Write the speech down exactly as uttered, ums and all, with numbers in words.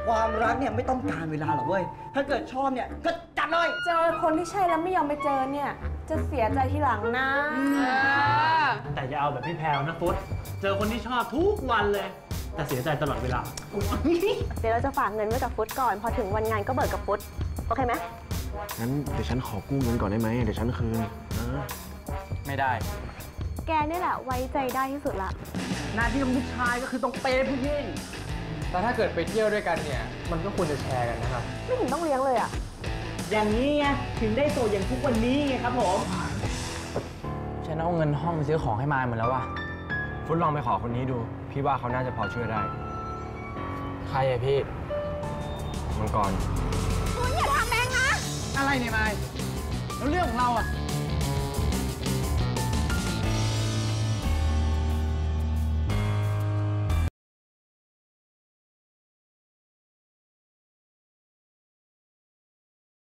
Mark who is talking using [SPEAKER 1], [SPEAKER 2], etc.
[SPEAKER 1] ความรักเนี่ยไม่ต้องการเวลาหรอกเว้ยถ้าเกิดชอบเนี่ยก็จัดเลย
[SPEAKER 2] เจอคนที่ใช่แล้วไม่ยอมไปเจอเนี่ยจะเสียใจทีหลังนะ
[SPEAKER 3] แต่อย่าเอาแบบพี่แพรวนะฟุตเจอคนที่ชอบทุกวันเลยแต่เสียใจตลอดเวลา
[SPEAKER 4] เดี๋ยวเราจะฝากเงินไว้กับฟุตก่อนพอถึงวันงานก็เบิกกับฟุตโอเคไหม
[SPEAKER 5] งั้นเดี๋ยวฉันขอกู้เงินก่อนได้ไหมเดี๋ยวฉันคืนนะ
[SPEAKER 6] ไม่ได้
[SPEAKER 4] แกนี่แหละไว้ใจได้ที่สุดละ
[SPEAKER 1] หน้าที่ของผู้ชายก็คือต้องเปย์ผู้หญิง
[SPEAKER 6] แต่ถ้าเกิดไปเที่ยวด้วยกันเนี่ยมันก็ควรจะแชร์กันนะครับ
[SPEAKER 4] ไม่เห็นต้องเลี้ยงเลยอ่ะ
[SPEAKER 1] อย่างนี้ไงถึงได้โตอย่างทุกวันนี้ไงครับผม
[SPEAKER 6] ฉันเอาเงินห้องไปซื้อของให้มายหมดแล้วว่ะ
[SPEAKER 5] ฟุตลองไปขอคนนี้ดูพี่ว่าเขาน่าจะพอช่วยได้
[SPEAKER 6] ใครอะพี่
[SPEAKER 5] มังกร
[SPEAKER 4] คุณอย่าทำแม่งนะ
[SPEAKER 6] อะไรเนี่ยมายแล้วเรื่องของเราอะ